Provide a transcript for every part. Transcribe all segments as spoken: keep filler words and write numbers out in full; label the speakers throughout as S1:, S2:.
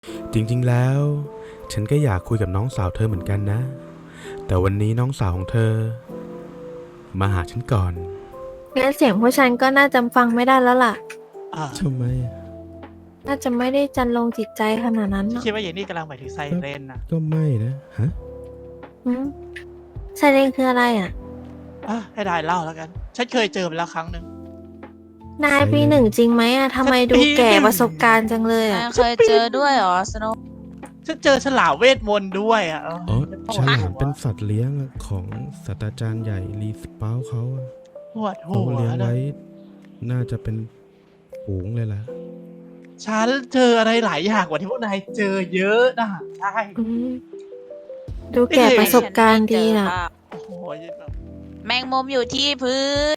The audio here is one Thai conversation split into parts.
S1: จริงๆแล้วฉันก็อยากคุยกับน้องสาวเธอเหมือนกันนะแต่วันนี้น้องสาวของเธอมาหาฉันก่อน
S2: งั้นเสียงผู้ชันก็น่าจะฟังไม่ได้แล้วล่ะ
S3: อ่า
S1: ทำไม
S2: น่าจะไม่ได้จันลงจิตใจขนาดนั้นเนอะ
S3: คิดว่าอย่างนี้กำลังหมายถึงไซเรนนะ
S1: ก็ไม่นะฮะ
S2: หืมไซเรนคืออะไรอ่ะ
S3: อ่ะให้ได้เล่าแล้วกัน ฉันเคยเจอมาแล้วครั้งหนึ่ง
S2: นายปีหนึ่งจริงไหมอ่ะทำไมดูแก่ประสบการณ์จังเลย
S4: นา
S2: อ่ะ
S4: ยเคยเจอด้วยเหรอสโนว์
S3: ฉันเจอฉลามเวทมนต์ด้วยอ่ะ
S1: อ๋อฉลามเป็นสัตว์เลี้ยงของศาสตราจารย์ใหญ่ลีสเปาเขาอะ
S3: ปวดหั
S1: เขา
S3: ว
S1: เลี้ยง
S3: นะ
S1: ไว้น่าจะเป็นฝูงเลยล่ะ
S3: ฉันเจออะไรหลายอย่างกว่าที่พวกนายเจอเยอะนะใช่
S2: อืมดูแก่ประสบการณ์ดีน่ะ
S3: โอ้โหแบบ
S4: แมงมุมอยู่ที่พื้น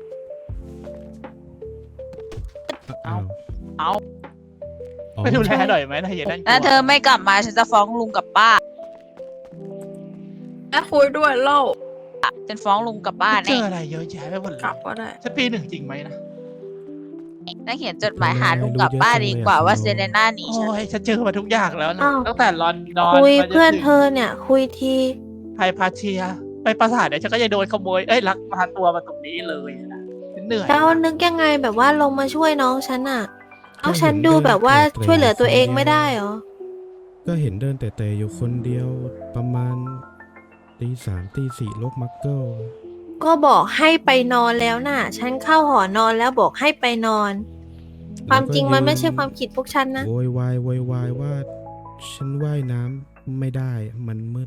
S1: เอา
S4: เอา
S1: อ๋อ
S3: ไม่ดูแลหน่อยไหมนายอย่านั่นกลัว
S4: ถ้าเธอไม่กลับมาฉันจะฟ้องลุงกับป้า
S5: แม่คุยด้วยเล่า
S4: ฉันฟ้องลุงกับป้า
S3: เจ
S4: แน่
S3: ออะไรเยอะแยะไปหมดเล
S5: กลั
S3: ย
S5: บก็ได้
S3: ฉันปีหนึ่งจริงไหมนะ
S4: ถ้าเขียนจดหมายหาลุงกับป้าดีกว่าว่าเซเลน่าหนีฉัน
S3: โอ้ยฉันเจอมาทุกอย่างแล้วนะ
S2: อ้าว
S3: ตั้งแต่ลอนดอน
S2: คุย
S3: มาจ
S2: เพื่อน
S3: ถึง
S2: เธอเนี่ย คุยที
S3: ไฮพาเชีย ไปปราสาทเนี่ยฉันก็จะโดนขโมย เอ้ยลักพาตัวมาตรงนี้เลยนะฉันเหนื่อย
S2: แล้ว
S3: นะ
S2: นึกยังไงแบบว่าลงมาช่วยน้องฉันอ่ะ เอาฉันดูแบบว่าช่วยเหลือตัวเองไม่ได้เหรอ
S1: ก็เห็นเดินแต่แต่อยู่คนเดียวประมาณตีสามตีสี่โลกมักเกิล
S2: ก็บอกให้ไปนอนแล้วน่ะ ฉันเข้าหอนอนแล้วบอกให้ไปนอน ความจริงมันไม่ใช่ความคิดพวกฉันนะ
S1: โวยวายโวยวายว่าฉันว่ายน้ำไม่ได้มันมืด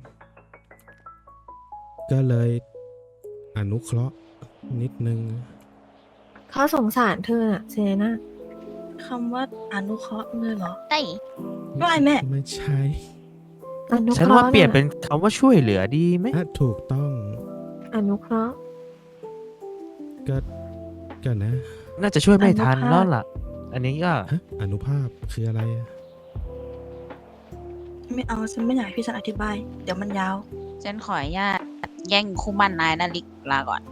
S1: ก็เลยอนุเคราะห์นิดนึง
S2: เขาสงสารเธอน่ะเซเลน่า
S5: คำว่าอนุเคราะห์เลยเหรอ
S4: ได้
S5: ไม่แม่
S1: ไม่ใช่
S2: อนุเค
S6: ฉัน
S2: ราะ
S6: ว่า
S2: ห์
S6: เปลี่ยน
S2: น่ะ
S6: เป็นคำว่าช่วยเหลือดีไหม
S1: อ่ะถูกต้อง
S2: อนุเคราะห์
S1: ก็ก็นะ
S6: น่าจะช่วยไม่ทัน
S5: อนุภาพ
S6: แล้วล่ะ อันนี้ก็
S1: ฮะอนุภาพคืออะไรอะ
S5: ไม่เอาฉันไม่อยากให้พี่ฉันอธิบาย เดี๋ยวมันยาว
S4: ฉันขออนุญาตแย่งคู่มั่นนายนาลิกลาก่อน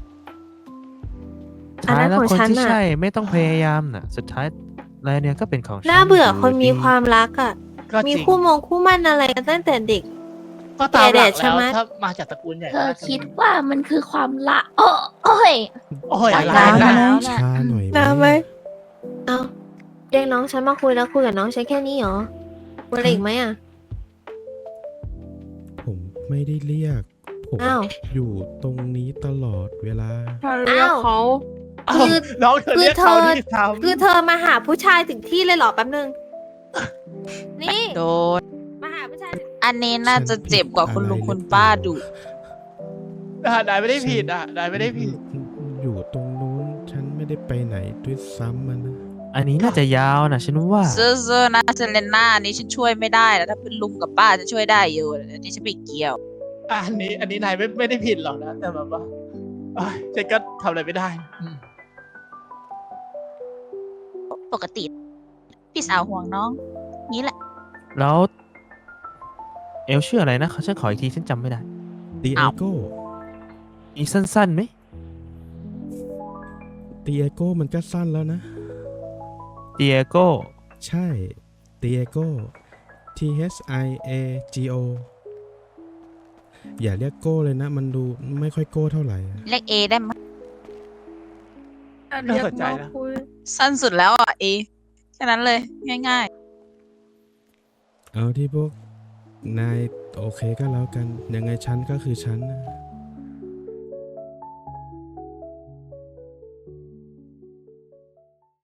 S2: อัน
S6: ท้าย
S2: นั้น
S6: แล้ว
S2: ของ
S6: คน
S2: ฉัน
S6: ที่
S2: น่ะ
S6: ใช่ไม่ต้องพยายามน่ะ สุดท้ายแล้วเนี่ยก็เป็นของฉัน
S2: น่าเบื่อคนมี
S6: ดี
S2: ความรักอ่ะ
S3: ก็
S2: มี
S3: จริง
S2: คู่มงคู่มั่นอะไรกันตั้งแต่เด็ก
S3: ก็ตามหลัก
S2: แดดๆใช่
S3: แล้ว
S2: ไหม
S3: ถ้ามาจากตระกูลใหญ่
S7: เธอ
S3: น่าจะ
S7: คิดว่ามันคือความละโอ้โอ้ย
S3: โอ้ยอะไร
S5: ร้าน
S3: นะ
S5: นะ
S1: ช้าหน่อย
S2: น้ำไหมเอาเรียกน้องฉันมาคุยแล้วคุยกับน้องฉันแค่นี้เหรอคุยอะไรอีกไหมอ่ะ
S1: ผมไม่ได้เรียก ผม
S2: อ้าว
S1: อยู่ตรงนี้ตลอดเวลา
S5: ถ้าเรียกเขา
S3: เอ้า
S2: คือ
S3: น้องเธอ
S2: คือ
S3: เรียก
S2: เธ
S3: เขา
S2: อ
S3: ที่ทำ
S2: คือเธอมาหาผู้ชายถึงที่เลยเหรอแป๊บนึง นี่
S4: โดน
S2: มาหาผู้ชายถึง
S4: อันนี้น่าจะเจ็บกว่าคุณลุงคุณป้าดุ
S3: อ่ะนายไม่ได้ผิดอ่ะนายไม่ได้ผิด
S1: อยู่ตรงนู้น ฉันไม่ได้ไปไหนด้วยซ้ำมันนะ
S6: อันนี้น่าจะยาวนะฉันว่า
S4: เซอร์เซอร์นะเซเลน่าอันนี้ฉันช่วยไม่ได้แล้วถ้าเป็นลุงกับป้าจะช่วยได้อยู่อันนี้ฉันไม่เกี่ยว
S3: อะอันนี้ อันนี้นายไม่ไม่ได้ผิดหรอกนะ แต่แบบว่าเอ้ยฉันก็ทำอะไรไม่ได้อืม
S4: ปกติ พี่สาวห่วงน้อง นี้แหละ
S6: แล้ว เอลชื่ออะไรนะฉันขออีกทีฉันจำไม่ได้
S1: ตีเอ
S4: อ้าว
S1: โก้
S6: มีสั้นๆไหม
S1: ตีเอโก้มันก็สั้นแล้วนะ
S6: เดียโก้
S1: ใช่ตีเอโก้ T H I A G O อย่าเรียกโก้เลยนะ มันดูไม่ค่อยโก้เท่าไหร่อะ
S4: เรียกเอได้ไหมย
S5: ถ้าเรียกมาคุย
S4: สั้นสุดแล้วอ่ะเอแค่นั้นเลย ง่าย
S1: เอาที่พวกนายโอเคก็แล้วกัน ยังไงฉันก็คือฉันนะ